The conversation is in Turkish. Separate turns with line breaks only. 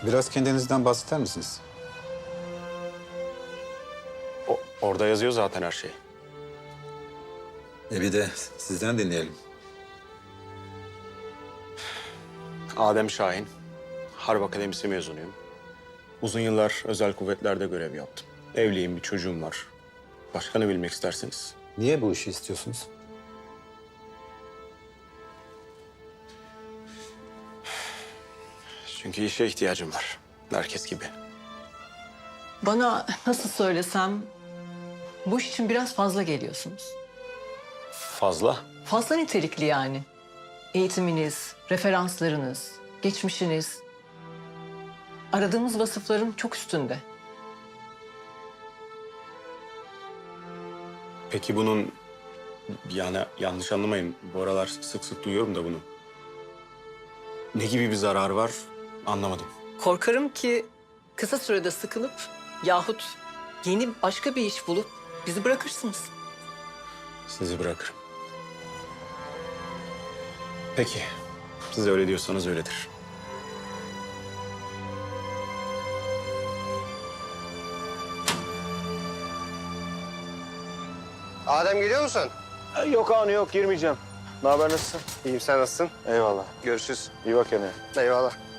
Biraz kendinizden bahseder misiniz?
Orada yazıyor zaten her şey.
Bir de sizden dinleyelim.
Adem Şahin, Harp Akademisi mezunuyum. Uzun yıllar özel kuvvetlerde görev yaptım. Evliyim, bir çocuğum var. Başka ne bilmek istersiniz?
Niye bu işi istiyorsunuz?
Çünkü işe ihtiyacım var. Herkes gibi.
Bana nasıl söylesem bu iş için biraz fazla geliyorsunuz.
Fazla.
Fazla nitelikli yani. Eğitiminiz, referanslarınız, geçmişiniz. Aradığımız vasıfların çok üstünde.
Peki bunun, yani yanlış anlamayın, bu aralar sık sık duyuyorum da bunu. Ne gibi bir zararı var anlamadım.
Korkarım ki kısa sürede sıkılıp yahut yeni başka bir iş bulup bizi bırakırsınız.
Sizi bırakırım. Peki, siz öyle diyorsanız öyledir.
Adem geliyor musun?
Yok anı yok girmeyeceğim. Ne haber nasılsın?
İyiyim, sen nasılsın?
Eyvallah.
Görüşürüz.
İyi bak kendine.
Eyvallah.